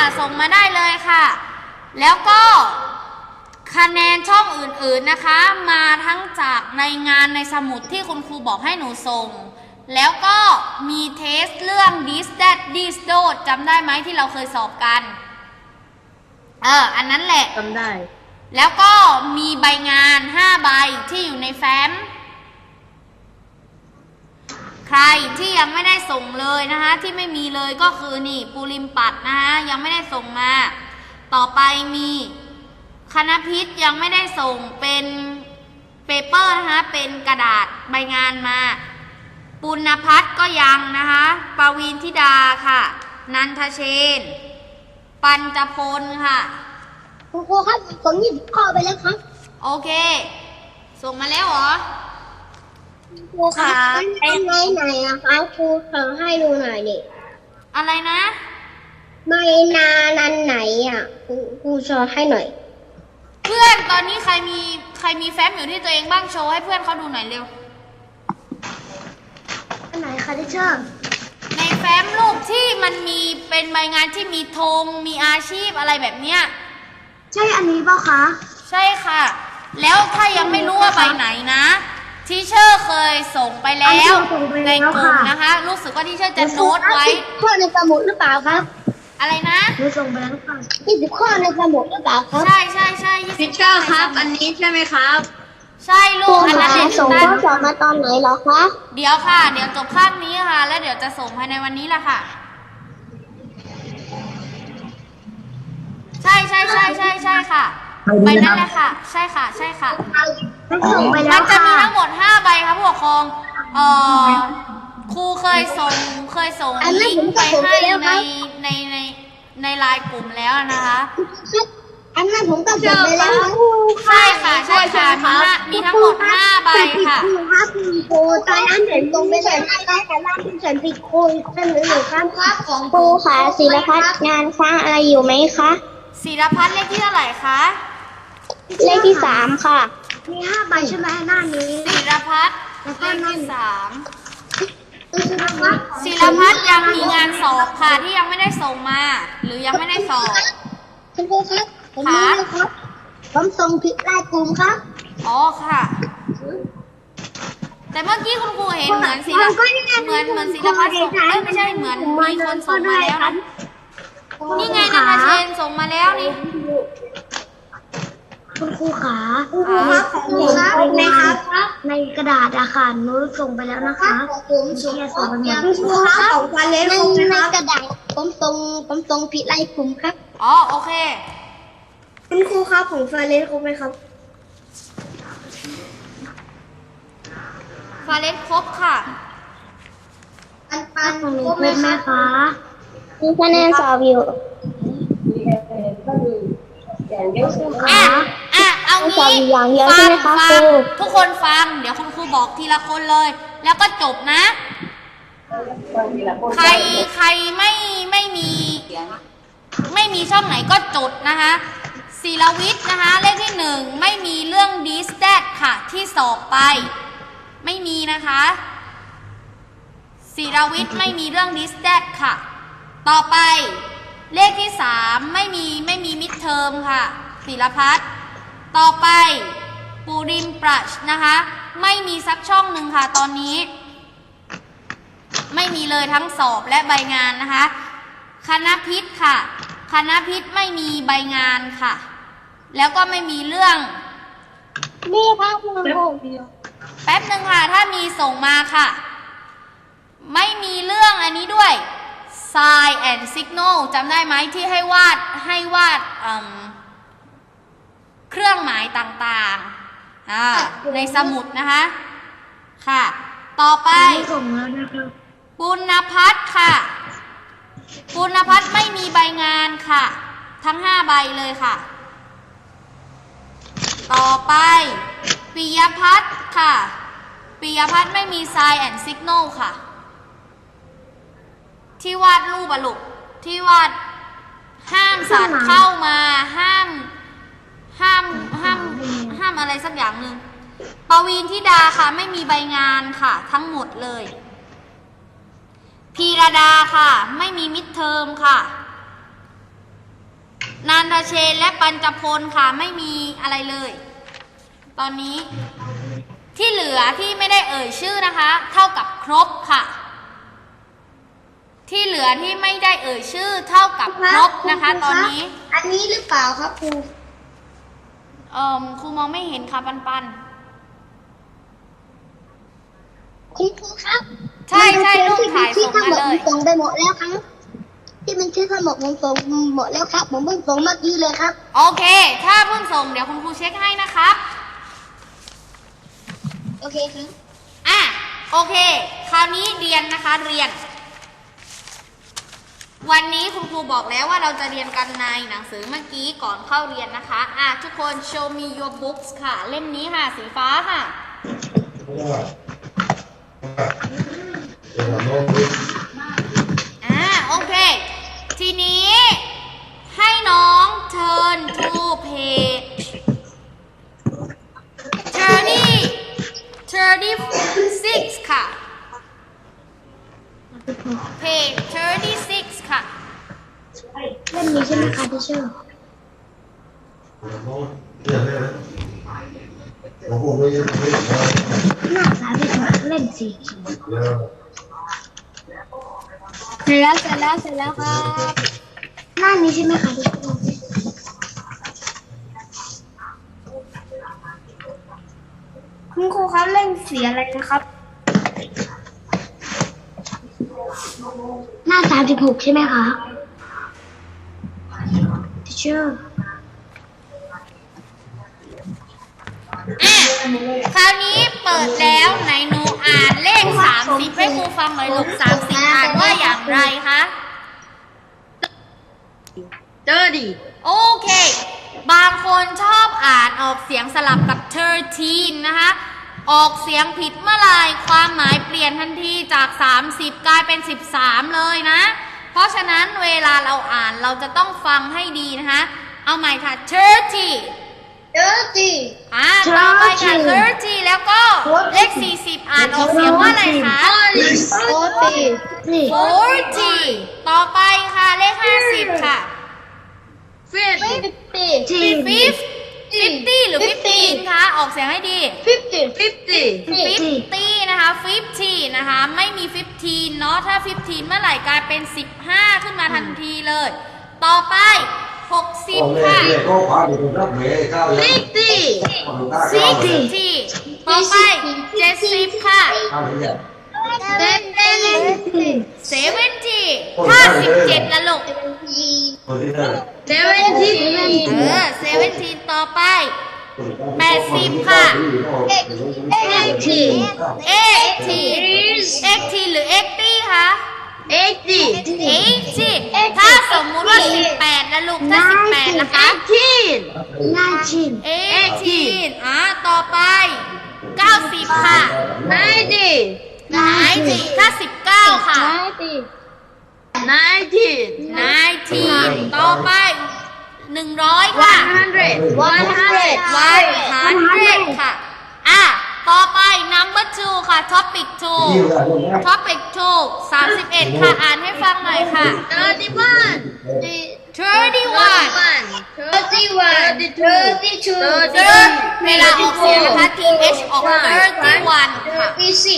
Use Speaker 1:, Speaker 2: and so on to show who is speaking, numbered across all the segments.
Speaker 1: ส่งมาได้เลยค่ะแล้วก็คะแนนช่องอื่นๆนะคะมาทั้งจากในงานในสมุดที่คุณครูบอกให้หนูส่งแล้วก็มีเทสเรื่อง this that this those จำได้ไหมที่เราเคยสอบกันอันนั้นแหละ
Speaker 2: จำได้
Speaker 1: แล้วก็มีใบงาน5ใบที่อยู่ในแฟ้มใครที่ยังไม่ได้ส่งเลยนะคะที่ไม่มีเลยก็คือนี่ปูริมปัดนะคะยังไม่ได้ส่งมาต่อไปมีคณพิษยังไม่ได้ส่งเป็นเปเปอร์นะคะเป็นกระดาษใบงานมาปุณพัฒน์ก็ยังนะคะปวีณธิดาค่ะนันทเชนปัญจพลค่ะ
Speaker 3: ครูครับผมหยิบข้อไปแล้วครับ
Speaker 1: โอเคส่งมาแล้วเหรอ
Speaker 3: ครูคะเป็นไหนอะคะครูขอให้ดูหน่อยดิ
Speaker 1: อะไรนะ
Speaker 3: ไม่นานันไหนอะครูโชว์ให้หน่อย
Speaker 1: เพื่อนตอนนี้ใครมีแฟ้มอยู่ที่ตัวเองบ้างโชว์ให้เพื่อนเขาดูหน่อยเร็ว
Speaker 3: อันไหนคะที่ชอบ
Speaker 1: ในแฟ้มรูปที่มันมีเป็นใบงานที่มีธงมีอาชีพอะไรแบบเนี้ย
Speaker 3: ใช่อันนี้เปล่าคะ
Speaker 1: ใช่ค่ะแล้วถ้ายังไม่รู้ว่าใบไหนนะทีเชอร์เคยส่งไปแล้วในกลุ่มนะคะรู้สึกว่าทีเชอร์จะโน้ตไว้
Speaker 3: ข้อในสมุดหรือเปล่าครับ
Speaker 1: อะไรนะ
Speaker 3: หนูส่งไปแล้วค่ะ20 ข้อในสมุดหรือเปล่าครับ
Speaker 1: ใช่
Speaker 2: ทีเชอร์ครับอันนี้ใช่ไหมครับ
Speaker 1: ใช่ลูกอันนั้น
Speaker 3: ส่งข้อสอบมาตอนไหนเหรอคะ
Speaker 1: เดี๋ยวค่ะเดี๋ยวจบคาบนี้ค่ะแล้วเดี๋ยวจะส่งภายในวันนี้แหละค่ะใช่ค่ะใบนั้นแหละค่ะใช่ค่ะมันจะมีทั้งหมด5ใบครับผู้ปกครองครูเคยส่งลิงก์ไปให้ในไลน์กลุ่มแล้วนะคะ
Speaker 3: อันนั้นผมก็ส่งไปแล้ว
Speaker 1: ใช่ค่ะมีทั้งหมด5ใบค่ะ
Speaker 3: ครูครับครูตอนนั้นผมส่งไปแล้วแต่ว่าที่ฉันผิดครูเสนอหนึ่งครับของครูค่ะศิลพัฒน์งานค้างอะไรอยู่ไหมคะ
Speaker 1: ศิลพัฒน์เลขที่เท่าไหร่คะ
Speaker 3: เลขที่3ค่ะมี5ใบใช่ไหมหน้านี้
Speaker 1: ศิลพัฒน์เลขที่3ศิลพัฒน์ยังมีงานสอบค่ะที่ยังไม่ได้ส่งมาหรือยังไม่ได้สอบ
Speaker 3: คุณครูครับผมรู้แล้วครับผมส่งผิดไลน์กลุ่มครับ
Speaker 1: อ๋อค่ะแต่เมื่อกี้คุณครูเห็นเหมือนศิลพัฒน์ส่งไม่ใช่เหมือนมีคนส่งมาแล้วนะนี่ไงนันทเชนส่งมาแล้วนี่
Speaker 3: คุณครูขาครูครับของหนูครับในกระดาษอะค่ะหนูส่งไปแล้วนะคะผมส่งคุณครูครับของฟาเลนในกระดาษผมส่งผิดไลน์กลุ่มครับ
Speaker 1: อ๋อโอเค
Speaker 3: คุณครูครับของฟาเลนครบไหมครับ
Speaker 1: ฟาเลนครบค่ะ
Speaker 3: ปันครบไหมคะมีคะแนนสอบอยู่
Speaker 1: เอางี้ฟังทุกคนฟังเดี๋ยวคุณครูบอกทีละคนเลยแล้วก็จบนะใครไม่มีช่องไหนก็จดนะคะศิลวิทย์นะคะเลขที่1ไม่มีเรื่อง this that ค่ะที่สอบไปไม่มีนะคะศิลวิทย์ไม่มีเรื่อง this that ค่ะต่อไปเลขที่3ไม่มีมิดเทอมค่ะศิลพัฒน์ต่อไปปูริมปรัชนะคะไม่มีสักช่องหนึ่งค่ะตอนนี้ไม่มีเลยทั้งสอบและใบงานนะคะคณพิษค่ะคณพิษไม่มีใบงานค่ะแล้วก็ไม่มีเรื่อง
Speaker 3: นี่ค่ะคุณครู
Speaker 1: แป๊บนึงค่ะถ้ามีส่งมาค่ะไม่มีเรื่องอันนี้ด้วย sign and signal จำได้ไหมที่ให้วาดเครื่องหมายต่างๆในสมุดนะคะค่ะต่อไปปุณพัฒน์ค่ะปุณพัฒน์ไม่มีใบงานค่ะทั้ง5ใบเลยค่ะต่อไปปิยพัฒน์ค่ะปิยพัฒน์ไม่มี sign and signal ค่ะที่วาดรูปลูกที่วาดห้ามสัตว์เข้ามาห้ามอะไรสักอย่างหนึ่งปวีณธิดาค่ะไม่มีใบงานค่ะทั้งหมดเลยพีรดาค่ะไม่มีมิดเทอมค่ะนันทเชนและปัญจพลค่ะไม่มีอะไรเลย ตอนนี้ที่เหลือที่ไม่ได้เอ่ยชื่อนะคะ เท่ากับครบค่ะ ที่เหลือที่ไม่ได้เอ่ยชื่อเท่ากับครบนะคะ ตอนนี้
Speaker 3: อันนี้หรือเปล่าครับครู
Speaker 1: ครูมองไม่เห็นค่ะปันปัน
Speaker 3: คุณครูครับ
Speaker 1: ใช่ใช่รูปถ่ายส่งมาเลย
Speaker 3: ส่งไปหมดแล้วครับที่มันชื่อทั้งหมดผมส่งหมดแล้วครับผมเพิ่งส่งเมื่อกี้เลยครับ
Speaker 1: โอเค ถ้าเพิ่งส่งเดี๋ยวคุณครูเช็คให้นะครับ
Speaker 3: โอเคครับ
Speaker 1: โอเค คราวนี้เรียนนะคะเรียน วันนี้คุณครูบอกแล้วว่าเราจะเรียนกันในหนังสือเมื่อกี้ก่อนเข้าเรียนนะคะทุกคน show me your books ค่ะ เล่มนี้ค่ะ สีฟ้าค่ะ โอเค ทีนี้ให้น้อง turn to page 36 ค่ะ page 36 ค่ะ
Speaker 3: เล่มนี้ใช่ไหมคะที่ชื่อหน้าสาธิตเล่มสีเขียวเสร็จแล้วครับหน้านี้ใช่ไหมคะที่ชื่อคุณครูครับเล่มสีอะไรนะครับ หน้า36ใช่ไหมคะที่ชื่อ
Speaker 1: คราวนี้เปิดแล้วไหนหนูอ่านเลข30ให้ครูฟังหน่อยลูก30อ่านว่าอย่างไรคะโอเค บางคนชอบอ่านออกเสียงสลับกับ13นะคะออกเสียงผิดเมื่อไหร่ความหมายเปลี่ยนทันทีจาก30กลายเป็น13เลยนะเพราะฉะนั้นเวลาเราอ่านเราจะต้องฟังให้ดีนะคะเอาใหม่ค่ะต่อไปค่ะ30แล้วก็เลข40อ่านออกเสียงว่าอะไรคะ40ต่อไปค่ะเลข50ค่ะ50หรือ15คะออกเสียงให้ดี50นะคะ50นะคะไม่มี15เนาะถ้า15เมื่อไหร่กลายเป็น15ขึ้นมาทันทีเลยต่อไป60ค่ะ60ต่อไป70ค่ะ70ถ้า17ละลูก17ต่อไป80ค่ะ80หรือ80คะ80ถ้าสมมุติว่า18ละลูกถ้า18นะคะ18ต่อไป90ค่ะ90ถ้า19ค่ะ19ต่อไป100ค่ะ100ค่ะต่อไป number 2ค่ะ topic 2 31ค่ะอ่านให้ฟังหน่อยค่ะ31เวลาออกเสียงนะคะ th ออก31ค่ะ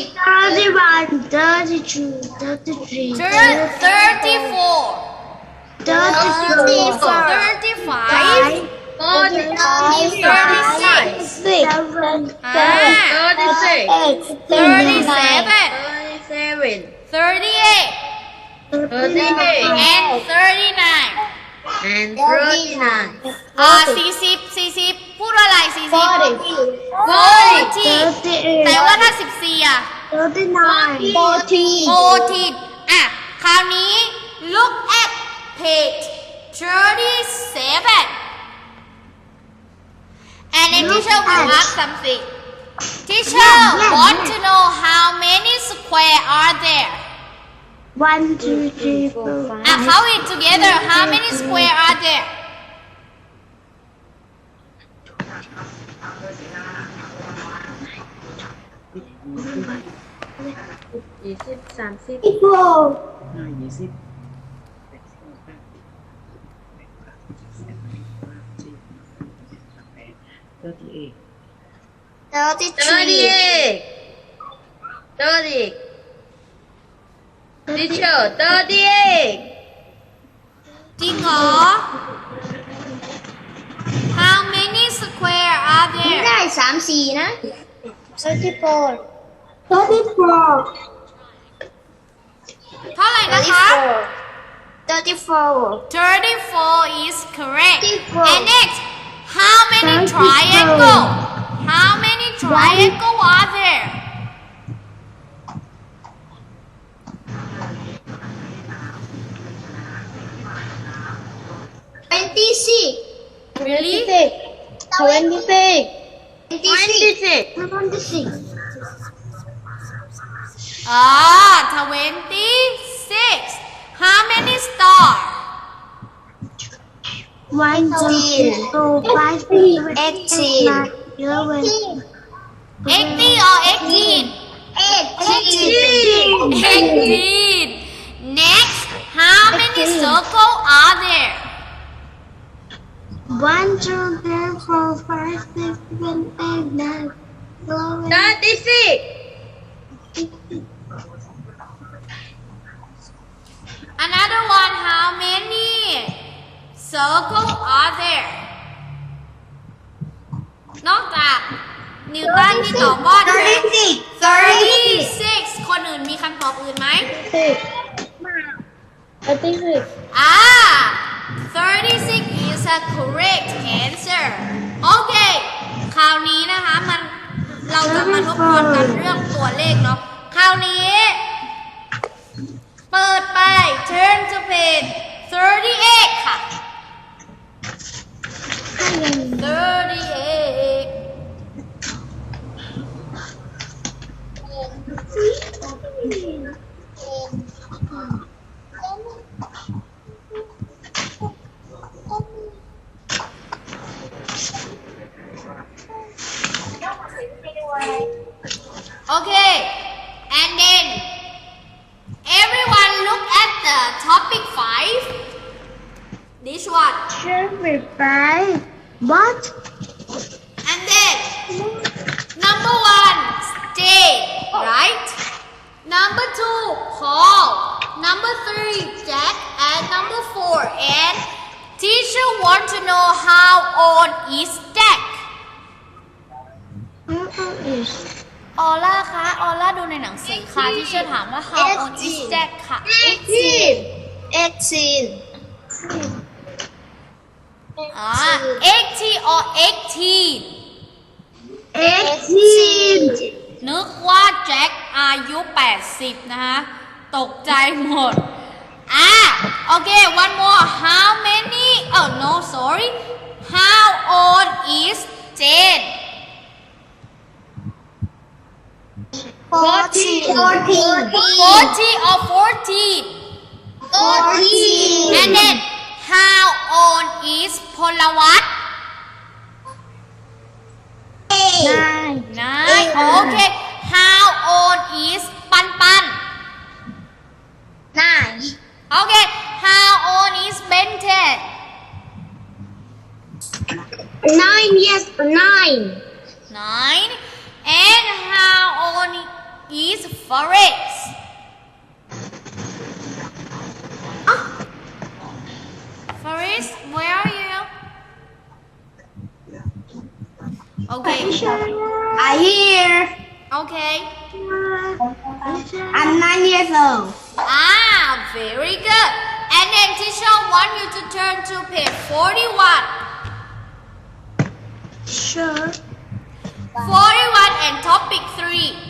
Speaker 1: 40พูดว่าอะไร40แต่ว่าถ้า14อ่ะคราวนี้ look at page 37 and then teacher will ask something teacher want to know how many square are there
Speaker 3: 1 2 3 4 5
Speaker 1: count it together how many square are there
Speaker 3: 20 30
Speaker 2: Teacher, 38.
Speaker 1: จริงเหรอ How many square are
Speaker 3: ไม่
Speaker 1: there
Speaker 3: ได้34นะ34
Speaker 1: เท่าไหร่นะคะ
Speaker 3: 34
Speaker 1: 34 is correct
Speaker 3: 34
Speaker 1: and next how many triangle how many triangle are there
Speaker 3: 26
Speaker 1: really
Speaker 3: 26
Speaker 1: 26 how many star
Speaker 3: 1 2 5 6 7 11
Speaker 1: 80 or 18 18 next how many circle are there
Speaker 3: 1 2 3 4 5 6 7 8 9 11
Speaker 2: 36.
Speaker 1: another one how many circle are there นอกจากนิวตันที่ตอบว่า36 คนอื่นมีคำตอบอื่นไหม 36 is a correct answer โอเค คราวนี้นะคะเราจะมาทบทวนกันเรื่องตัวเลขเนาะ คราวนี้ เปิดไป turn to page 38 ค่ะ 38 Okay, and then everyone look at the topic 5. This one.
Speaker 3: What?
Speaker 1: And then number 1, stay, right? Number 2, Paul. Number 3, Jack. And number 4, and teacher want to know how old is Jack? ออล่าคะออล่าดูในหนังสือค่ะที่เชื่อถามว่า how old is Jack ค่ะ
Speaker 3: 18
Speaker 1: 80 or 18 นึกว่าแจ็คอายุ 80 นะคะตกใจหมดโอเค one more how many oh no sorry how old is Jane
Speaker 3: 40
Speaker 1: 40 or 14 and then how old is พลวัต 9 okay how old is ปันปัน okay how old is Ben
Speaker 3: 9 yes 9
Speaker 1: 9 and how old is Forrest Forrest where are you okay
Speaker 3: I hear
Speaker 1: okay
Speaker 3: I'm 9 years old
Speaker 1: very good and then teacher want you to turn to page 41
Speaker 3: sure
Speaker 1: 41 and topic 3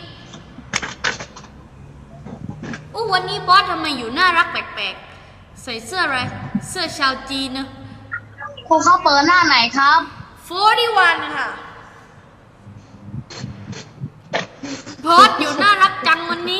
Speaker 1: วันนี้บอสทำไมอยู่น่ารักแปลกๆใส่เสื้ออะไรเสื้อชาวจีนนะ
Speaker 3: ครูเขาเปิดหน้าไหนครับ
Speaker 1: 41 ค่ะบอสอยู่น่ารักจังวันนี้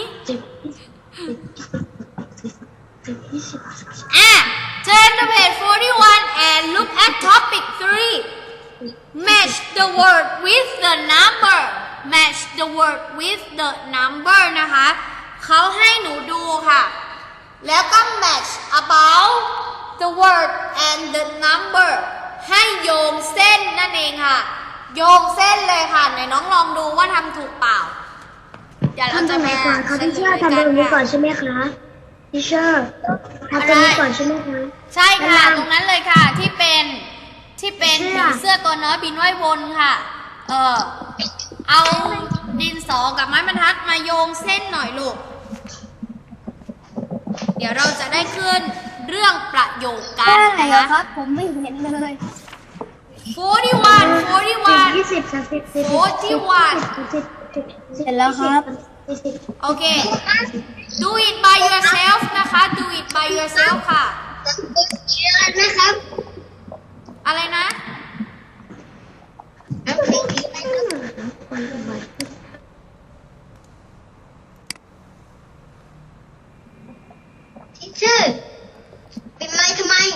Speaker 1: turn to page 41 and look at topic 3 match the word with the number match the word with the number นะคะเขาให้หนูดูค่ะแล้วก็ match about the word and the number ให้โยงเส้นนั่นเองค่ะโยงเส้นเลยค่ะไหนน้องลองดูว่าทำถูกเปล่าเดี๋ยวเรา
Speaker 3: ทำตร
Speaker 1: จะ
Speaker 3: งไหน
Speaker 1: มา
Speaker 3: ก่อนคะ
Speaker 1: เฉ
Speaker 3: พี่
Speaker 1: ล
Speaker 3: เชื่อย ทำต
Speaker 1: กั
Speaker 3: รงนี้ก่อน
Speaker 1: ค่ะ
Speaker 3: ใช่ไหมคะพี่เชื่อทำตรงนี้ก่อนใช่ไหมคะ
Speaker 1: ใช่ค่ะ
Speaker 3: ด้านล่าง
Speaker 1: ตรงนั้นเลยค่ะที่เป็นผี
Speaker 3: เสื้อ
Speaker 1: เสื้อตัวน้อยบินว่ายวนค่ะ เอาดินสอกับไม้บรรทัดมาโยงเส้นหน่อยลูก เดี๋ยวเราจะได้ขึ้นเรื่องประโยคกันนะคะ
Speaker 3: ผมไม่เห็นเลย
Speaker 1: 41
Speaker 3: 20 30
Speaker 1: 41
Speaker 3: เสร็จแล้วครับ
Speaker 1: โอเค do it by yourself นะคะ do it by yourself ค่ะ
Speaker 2: นะครับ
Speaker 1: อะไรนะ
Speaker 2: ทีเชอร์เป็นไรทำไม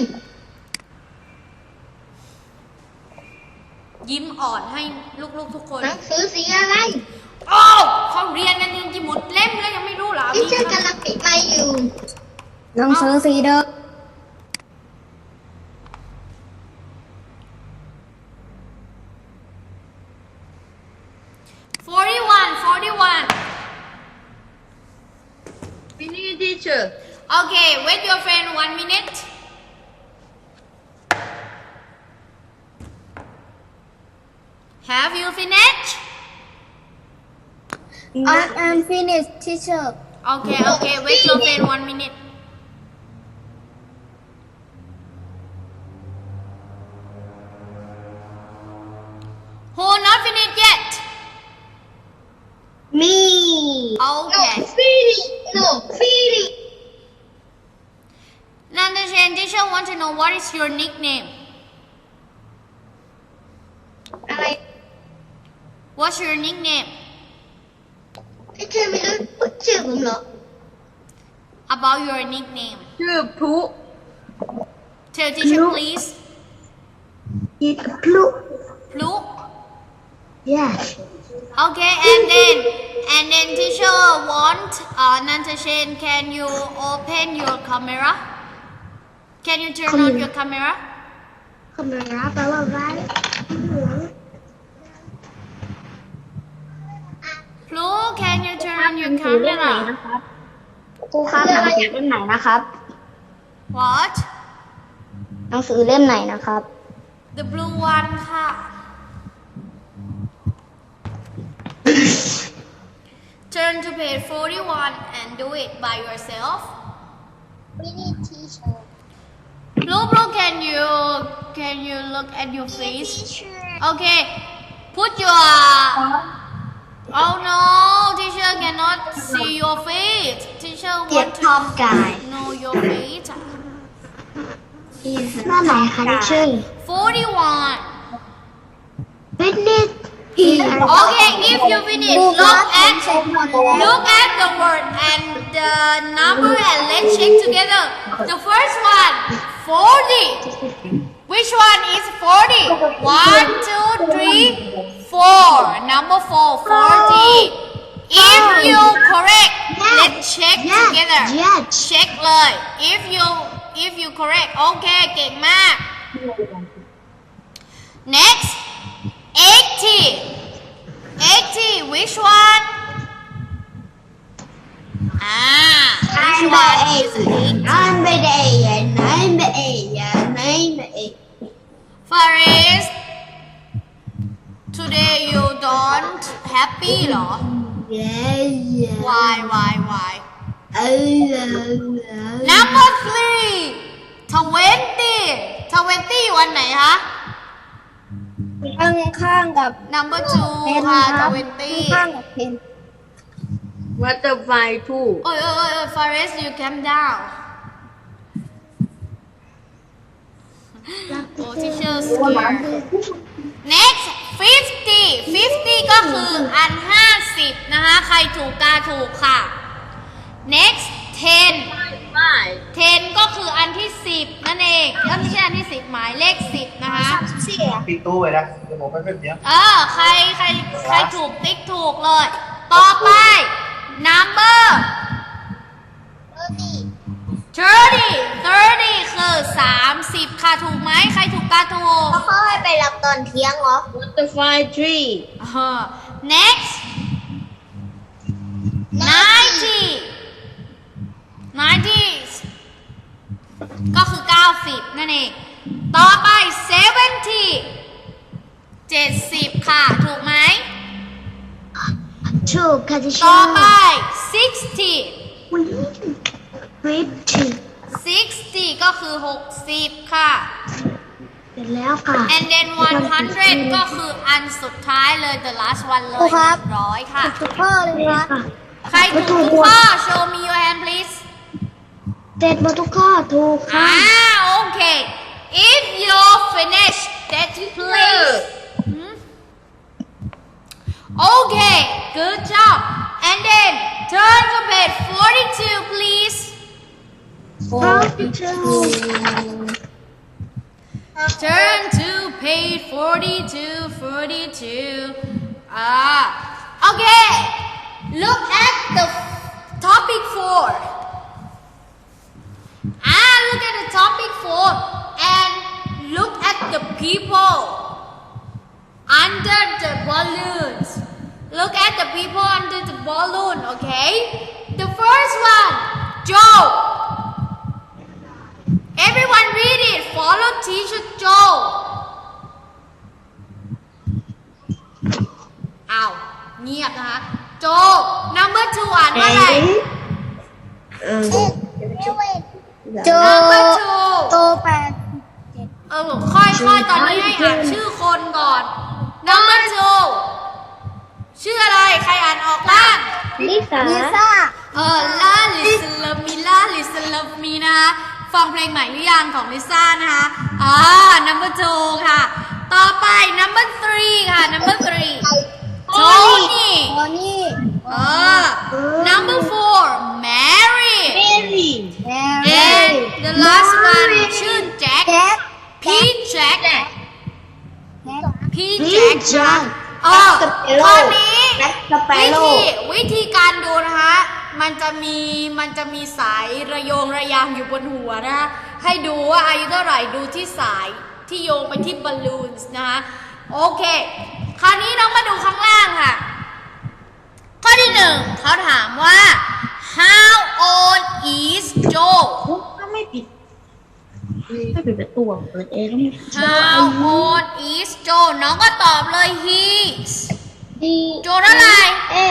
Speaker 1: ยิ้มอ่อนให้ลูกๆทุกคน
Speaker 2: หนังสือสีอะไร
Speaker 1: โอ้เขาเรียนกันจนจะหมดเล่มแล้วยังไม่รู้เหรอ
Speaker 2: ทีเชอร์กำลังปิดไมค์อยู่
Speaker 3: หนังสือสีเดิม
Speaker 1: 41
Speaker 2: Finish teacher
Speaker 1: Okay, wait your friend 1 minute. Have you finished?
Speaker 3: I'm finished teacher
Speaker 1: Okay, wait your friend 1 minute. Who not finished yet?
Speaker 2: me
Speaker 1: Okay.
Speaker 2: feeling
Speaker 1: Nandashan, teacher want to know what is your nickname?
Speaker 2: อะไร
Speaker 1: What's your nickname?
Speaker 2: ทีเชอร์ไม่รู้ชื่อผมเหรอ
Speaker 1: About your nickname.
Speaker 2: ชื่อพลุ
Speaker 1: Tell teacher
Speaker 3: No.
Speaker 1: please.
Speaker 3: it's blue
Speaker 1: Plu.
Speaker 3: yes
Speaker 1: Okay, and then teacher want Nantashen, can you open your camera? Can you turn on your camera?
Speaker 3: คำราแปลว่าไว้
Speaker 1: Plu, can you turn on
Speaker 3: ห
Speaker 1: your
Speaker 3: นังสือเล่มไหน
Speaker 1: camera?
Speaker 3: นะครับครูครับหนังสือเล่มไหนนะครับ
Speaker 1: What?
Speaker 3: หนังสือเล่มไหนนะครับ
Speaker 1: The blue one ค่ะ Turn to page 41 and do it by yourself. Blue, can you look at your face? Okay, put your. Oh no, teacher cannot see your face. Teacher
Speaker 3: เกียร
Speaker 1: want
Speaker 3: ติทอม
Speaker 1: to
Speaker 3: กาย
Speaker 1: know your face.
Speaker 3: หน้าไหนคะที่ชื่อ
Speaker 1: 41.
Speaker 3: finish
Speaker 1: Okay, if you finish, look at the word and the number and let's check together. The first one, 40. Which one is 40? 1, 2, 3, 4. Number 4, 40. If you correct, let's check together.
Speaker 3: yes
Speaker 1: Check เลย if you correct. Okay, เก่งมาก Next, 80. 80, which one? Which one is 80? Faris, today you don't happy เหรอ Why? Number 3, 20. 20 วันไหนคะ
Speaker 3: ข้างกับ
Speaker 1: Number
Speaker 3: เพน
Speaker 1: 2 ค่ะ
Speaker 3: ครับ
Speaker 1: 20
Speaker 3: ข้างกับเพน
Speaker 2: butterfly too
Speaker 1: Faris, you calm down. Oh, teacher scared. Next, 50. 50 ก็คืออัน 50 นะคะ ใครถูกกาถูกค่ะ Next, 10. 10 ก็คืออันที่ 10 นั่นเองไม่ใช่อันที่ 10 หมายเลข 10 นะคะ
Speaker 4: ตีตู้ไว้นะเดี๋ยวผมไปเพื่อนเนี้ย
Speaker 1: ใครถูกติ๊กถูกเลย ต่อไป number 30 คือ 30 ค่ะค่ะถูกไหมใครถูกกาถูก
Speaker 3: เขาให้ไปรับตอนเที่ยงเหรอ
Speaker 2: butterfly tree
Speaker 1: next 90 ก็คือ90นั่นเองต่อไป70ค่ะถูกไหม
Speaker 3: ถูกค่ะที่
Speaker 1: ต่
Speaker 3: ชื่
Speaker 1: อ
Speaker 3: อ
Speaker 1: ไป60ก็คือ60ค่ะ
Speaker 3: เสร็จแล้วค่ะ
Speaker 1: and then 100ก็คืออันสุดท้ายเลย the last one เลย100ค่ะ
Speaker 3: ทุกข้อเลยครับ
Speaker 1: ใครถูกทุกข้อ show me your hand please
Speaker 3: เสร็จหมดทุกข้อถูกค่ะ
Speaker 1: โอเค if you're finished that please okay good job and then turn to page 42 please turn to page 42 okay look at the topic 4 look at the topic 4 and look at the people under the balloons. Look at the people under the balloon, okay? The first one, Joe. Everyone read it. Follow teacher Joe. Ow, เงียบนะคะ Joe. Number 2 อ่านว่าอะไร
Speaker 3: โจ
Speaker 1: Number
Speaker 3: โต
Speaker 1: 2
Speaker 3: แปด
Speaker 1: ค่อยๆ ตอนนี้ให้อ่านชื่อคนก่อน Number 2 ชื่ออะไร ใครอ่านออกบ้าง
Speaker 3: ลิซ่า
Speaker 1: Listen Love Me Listen Love Me นะคะฟังเพลงใหม่หรือยังของลิซ่านะคะNumber 2 ค่ะ ต่อไป Number 3 ค่ะ Number 3 Tony Number 4 Mary and the last one ชื่อ Jack P Jack ข้อนี้วิธีการดูนะคะมันจะมีสายระโยงระยางอยู่บนหัวนะคะให้ดูว่าอายุเท่าไหร่ดูที่สายที่โยงไปที่บอลลูนนะคะโอเคคราวนี้น้องมาดูข้างล่างค่ะข้อที่ 1เขาถามว่า how old is Joe
Speaker 3: ก็ไม่ปิดประตูเปิดเอง
Speaker 1: how old is Joe น้องก็ตอบเลย he's Joe เท่าไหร่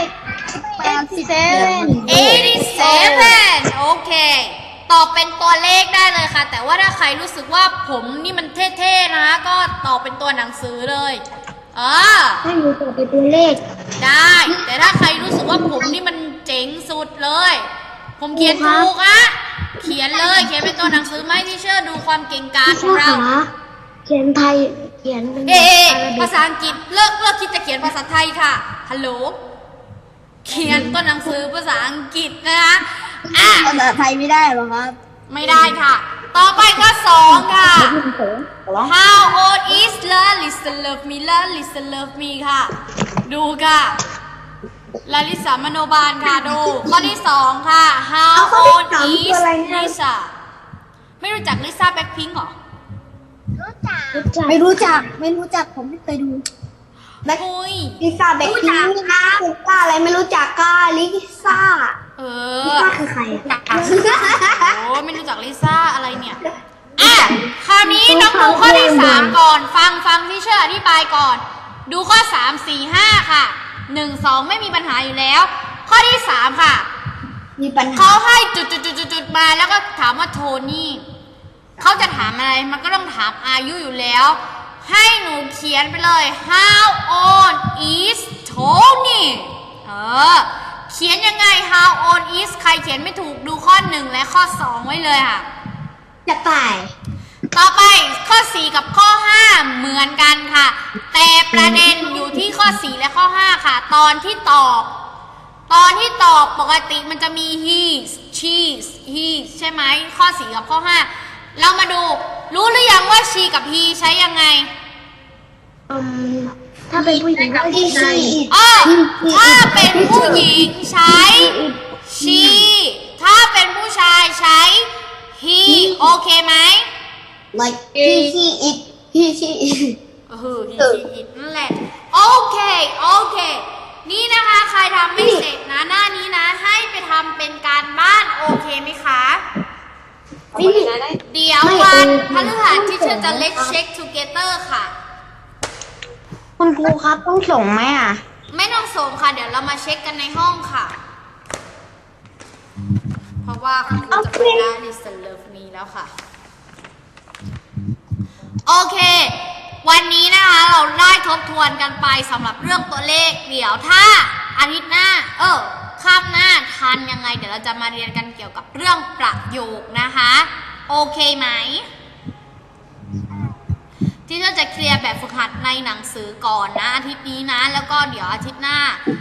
Speaker 1: 87โอเคตอบเป็นตัวเลขได้เลยค่ะแต่ว่าถ้าใครรู้สึกว่าผมนี่มันเท่ๆนะคะก็ตอบเป็นตัวหนังสือเลย
Speaker 3: ให้หนูตอบเป็นตัวเลข
Speaker 1: ได้แต่ถ้าใครรู้สึกว่าผมนี่มันเจ๋งสุดเลยผมเขียนถูกอะเขียนเลยเขียนเป็นตัวหนังสือไม่ที่เชื่อดูความเก่งกาจของเรา
Speaker 3: เขียนไทยเขียนเป็น
Speaker 1: ภาษาอังกฤษเลิกคิดจะเขียนภาษาไทยค่ะฮัลโหลเขียนตัวหนังสือภาษาอังกฤษนะคะ
Speaker 3: ภาษาไทยไม่ได้หรอครับ
Speaker 1: ไม่ได้ค่ะต่อไปก็2ค่ะ How old is Listen Love Me Listen Love Me ค่ะดูค่ะลาลิสามโนบาลค่ะดูข้อที่2ค่ะ How old is Lisa ไม่รู้จักลิซ่าแบ็คพิงค์หรอ
Speaker 3: ไม่รู้จักผมไม่เคยดูลิซ่าแบ็คพิงค์ลิซ่าอะไรไม่รู้จักก็ลิซ่าลิซ่าคือใคร
Speaker 1: โอ้ไม่รู้จักลิซ่าอะไรเนี่ยคราวนี้น้องดูข้อที่3ก่อนฟังที่เชื่ออธิบายก่อนดูข้อ3 4 5ค่ะ1 2ไม่มีปัญหาอยู่แล้วข้อที่3ค่ะ
Speaker 3: มีปัญหา
Speaker 1: เขาให้จุดมาแล้วก็ถามว่าโทนี่เขาจะถามอะไรมันก็ต้องถามอายุอยู่แล้วให้หนูเขียนไปเลย How old is Tony เขียนยังไง How old is ใครเขียนไม่ถูกดูข้อ1และข้อ2ไว้เลยค่ะ
Speaker 3: จะไป
Speaker 1: ต่อไปข้อ4กับข้อ5เหมือนกันค่ะแต่ประเด็นอยู่ที่ข้อ4และข้อ5ค่ะตอนที่ตอบปกติมันจะมี he she he ใช่ไหมข้อ4กับข้อ5เรามาดูรู้หรือยังว่า she กับ he ใช้ยังไง
Speaker 3: ถ้าเป็นผู้หญิงก็ she
Speaker 1: ถ้าเป็นผู้หญิงใช้ she ถ้าเป็นผู้ชายใช้ he โอเคไหม
Speaker 3: like he it he it
Speaker 1: อีกนั่นแหละ โอเค นี่นะคะ ใครทำไม่เสร็จนะหน้านี้นะ ให้ไปทำเป็นการบ้านโอเคไหมคะ เดี๋ยววันพฤหัสที่เธอจะ let's check together ค่ะ
Speaker 3: คุณครูครับต้องส่งไหมอ่ะ
Speaker 1: ไม่ต้องส่งค่ะ เดี๋ยวเรามาเช็คกันในห้องค่ะ เพราะว่าคุณครูจะไปได้ listen love me แล้วค่ะ โอเค วันนี้นะคะเราได้ทบทวนกันไปสำหรับเรื่องตัวเลข เดี๋ยวถ้าอาทิตย์หน้าข้ามหน้าทันยังไง เดี๋ยวเราจะมาเรียนกันเกี่ยวกับเรื่องประโยคนะคะ โอเคไหม ที่เราจะเคลียร์แบบฝึกหัดในหนังสือก่อนนะอาทิตย์นี้นะ แล้วก็เดี๋ยวอาทิตย์หน้า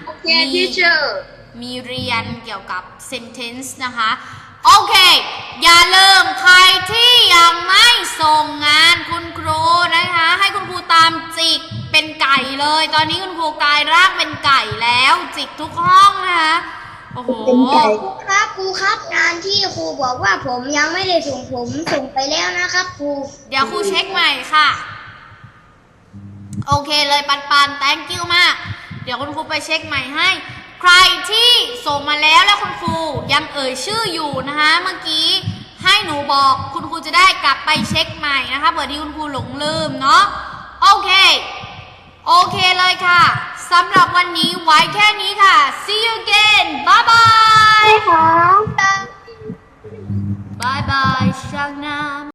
Speaker 1: มีเรียนเกี่ยวกับ sentence นะคะโอเคอย่าลืมใครที่ยังไม่ส่งงานคุณครูนะคะให้คุณครูตามจิกเป็นไก่เลยตอนนี้คุณครูกลายร่างเป็นไก่แล้วจิกทุกห้องนะคะโอ้โห
Speaker 3: ครูครับงานที่ครูบอกว่าผมยังไม่ได้ส่งผมส่งไปแล้วนะครับครู
Speaker 1: เดี๋ยวครูเช็คใหม่ค่ะโอเคเลยปัน thank you มากเดี๋ยวคุณครูไปเช็คใหม่ให้ใครที่ส่งมาแล้วแล้วคุณครูยังเอ่ยชื่ออยู่นะคะเมื่อกี้ให้หนูบอกคุณครูจะได้กลับไปเช็คใหม่นะคะเผื่อที่คุณครูหลงลืมเนาะโอเคเลยค่ะสำหรับวันนี้ไว้แค่นี้ค่ะ see you again bye bye
Speaker 3: ค่ะ
Speaker 1: bye bye ช่างน้ำ